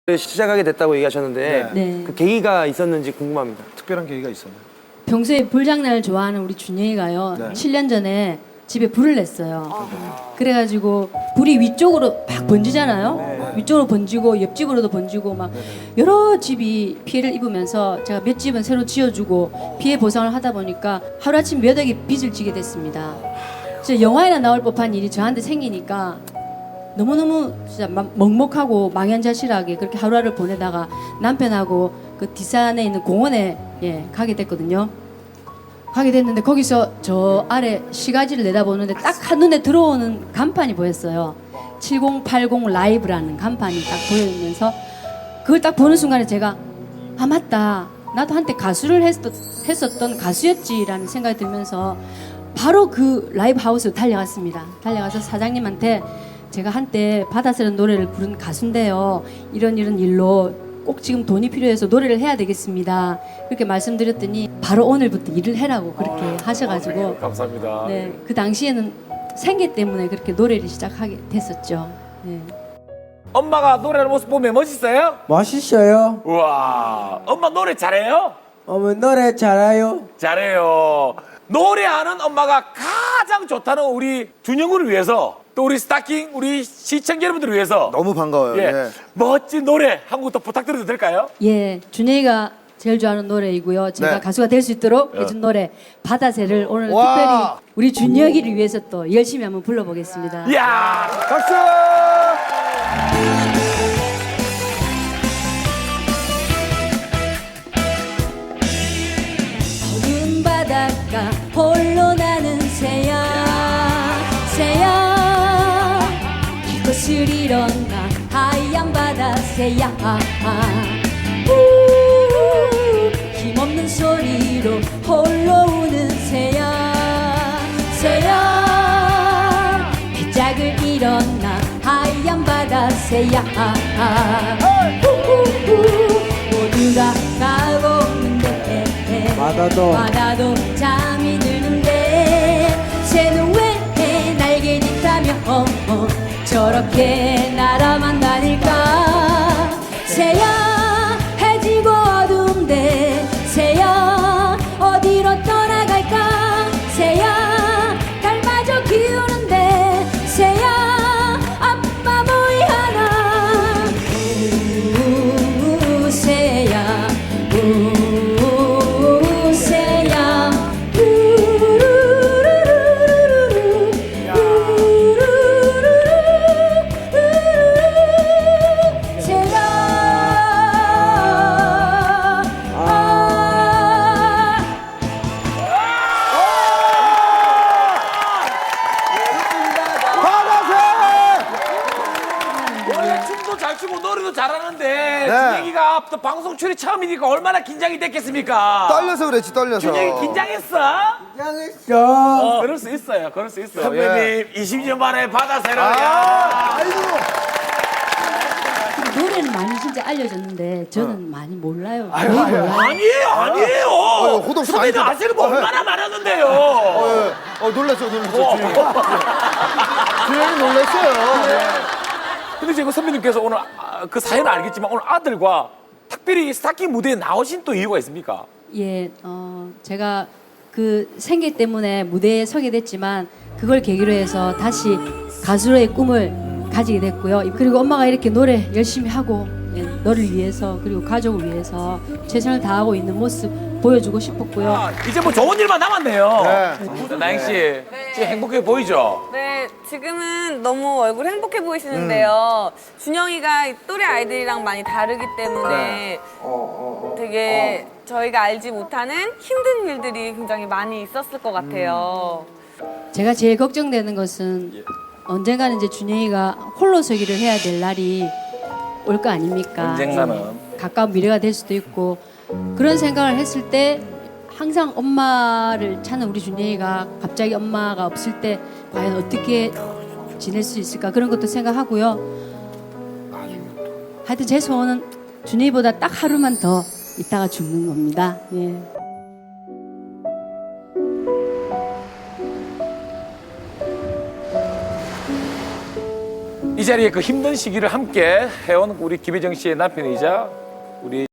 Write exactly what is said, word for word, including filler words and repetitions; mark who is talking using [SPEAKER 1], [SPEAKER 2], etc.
[SPEAKER 1] 시작하게 됐다고 얘기하셨는데
[SPEAKER 2] 네.
[SPEAKER 1] 그 계기가 있었는지 궁금합니다.
[SPEAKER 3] 특별한 계기가 있었나요?
[SPEAKER 2] 평소에 불장난을 좋아하는 우리 준영이가요.
[SPEAKER 3] 네.
[SPEAKER 2] 칠 년 전에 집에 불을 냈어요. 그래가지고 불이 위쪽으로 막 번지잖아요.
[SPEAKER 1] 네.
[SPEAKER 2] 위쪽으로 번지고 옆집으로도 번지고 막 여러 집이 피해를 입으면서 제가 몇 집은 새로 지어주고 피해 보상을 하다 보니까 하루아침 몇 억의 빚을 지게 됐습니다. 진짜 영화에나 나올 법한 일이 저한테 생기니까 너무너무 진짜 막 먹먹하고 망연자실하게 그렇게 하루하루를 보내다가 남편하고 그 뒷산에 있는 공원에 예, 가게 됐거든요. 가게 됐는데 거기서 저 아래 시가지를 내다보는데 딱 한눈에 들어오는 간판이 보였어요. 칠공팔공 라이브라는 간판이 딱 보이면서 그걸 딱 보는 순간에 제가 아 맞다 나도 한때 가수를 했었, 했었던 가수였지라는 생각이 들면서 바로 그 라이브 하우스로 달려갔습니다. 달려가서 사장님한테 제가 한때 바다스런 노래를 부른 가수인데요. 이런 이런 일로 꼭 지금 돈이 필요해서 노래를 해야 되겠습니다. 그렇게 말씀드렸더니 바로 오늘부터 일을 해라고 그렇게 하셔가지고
[SPEAKER 4] 감사합니다.
[SPEAKER 2] 네, 그 당시에는 생계 때문에 그렇게 노래를 시작하게 됐었죠. 네.
[SPEAKER 4] 엄마가 노래하는 모습 보면 멋있어요?
[SPEAKER 5] 멋있어요.
[SPEAKER 4] 우와, 엄마 노래 잘해요?
[SPEAKER 5] 어머 노래 잘해요.
[SPEAKER 4] 잘해요. 노래하는 엄마가 가장 좋다는 우리 준영군을 위해서 또 우리 스타킹 우리 시청자 여러분들을 위해서
[SPEAKER 3] 너무 반가워요.
[SPEAKER 4] 예,
[SPEAKER 3] 예.
[SPEAKER 4] 멋진 노래 한 곡 더 부탁드려도 될까요?
[SPEAKER 2] 예, 준혜이가 제일 좋아하는 노래이고요. 제가
[SPEAKER 3] 네.
[SPEAKER 2] 가수가 될 수 있도록 해준 노래 바다새를 오늘
[SPEAKER 3] 와.
[SPEAKER 2] 특별히 우리 준혁이를 위해서 또 열심히 한번 불러보겠습니다.
[SPEAKER 4] 이야,
[SPEAKER 3] 박수!
[SPEAKER 2] 어두운 바닷가 홀로 나는 새야 새야 이곳을 일어나 하얀 바다 새야 우, 힘없는 소리로 홀로 우는 새야 새야 배짝을 일어나 하얀 바다 새야 우우우, 모두가 가고 있는데
[SPEAKER 5] 바다도
[SPEAKER 2] 바다도 잠이 드는데 새는 왜 날개를 타며 어, 어, 저렇게 날아만 다닐까 새야 해지고 어두운데 새야 어디로 떠나갈까 새야 달마저 기우는데 새야 아빠 뭐이 하나 우 새야 우 새야 우르르르르르 우르르르르르 새야 아
[SPEAKER 4] 원래 춤도 잘 추고 노래도 잘하는데
[SPEAKER 3] 네.
[SPEAKER 4] 준영이가 또 방송 출연 처음이니까 얼마나 긴장이 됐겠습니까?
[SPEAKER 3] 떨려서 그랬지, 떨려서.
[SPEAKER 4] 준영이 긴장했어?
[SPEAKER 5] 긴장했어.
[SPEAKER 4] 어, 그럴 수 있어요. 그럴 수 있어요.
[SPEAKER 3] 선배님,
[SPEAKER 4] 선배님, 이십 년 만에 바다새로.
[SPEAKER 3] 아,
[SPEAKER 4] 야.
[SPEAKER 3] 아이고.
[SPEAKER 2] 노래는 많이 진짜 알려줬는데 저는 많이 몰라요.
[SPEAKER 3] 아유,
[SPEAKER 2] 거의
[SPEAKER 3] 아유,
[SPEAKER 2] 몰라요.
[SPEAKER 4] 아니에요, 아니에요.
[SPEAKER 3] 아유, 호동 씨 많이
[SPEAKER 4] 선배님
[SPEAKER 3] 들어-
[SPEAKER 4] 아시는 거
[SPEAKER 3] 아, 네.
[SPEAKER 4] 얼마나 많았는데요.
[SPEAKER 3] 어, 예. 어, 놀랐어, 놀랐어. 주영이. 주영이 놀랐어요.
[SPEAKER 4] 근데 지금 선배님께서 오늘 아, 그 사연은 알겠지만 오늘 아들과 특별히 스타킹 무대에 나오신 또 이유가 있습니까?
[SPEAKER 2] 예, 어, 제가 그 생계 때문에 무대에 서게 됐지만 그걸 계기로 해서 다시 가수로의 꿈을 가지게 됐고요. 그리고 엄마가 이렇게 노래 열심히 하고 예, 너를 위해서 그리고 가족을 위해서 최선을 다하고 있는 모습 보여주고 싶었고요.
[SPEAKER 4] 아, 이제 뭐 좋은 일만 남았네요.
[SPEAKER 3] 네.
[SPEAKER 4] 나영 씨, 지금 행복해 보이죠?
[SPEAKER 6] 네, 지금은 너무 얼굴 행복해 보이시는데요. 준영이가 또래 아이들이랑 많이 다르기 때문에 되게 저희가 알지 못하는 힘든 일들이 굉장히 많이 있었을 것 같아요.
[SPEAKER 2] 제가 제일 걱정되는 것은 언젠가는 이제 준영이가 홀로 서기를 해야 될 날이 올 거 아닙니까?
[SPEAKER 4] 언젠가는.
[SPEAKER 2] 예, 가까운 미래가 될 수도 있고 그런 생각을 했을 때 항상 엄마를 찾는 우리 준영이가 갑자기 엄마가 없을 때 과연 어떻게 지낼 수 있을까 그런 것도 생각하고요. 하여튼 제 소원은 준영이보다 딱 하루만 더 있다가 죽는 겁니다. 예.
[SPEAKER 4] 이 자리에 그 힘든 시기를 함께 해온 우리 김혜정 씨의 남편이자 우리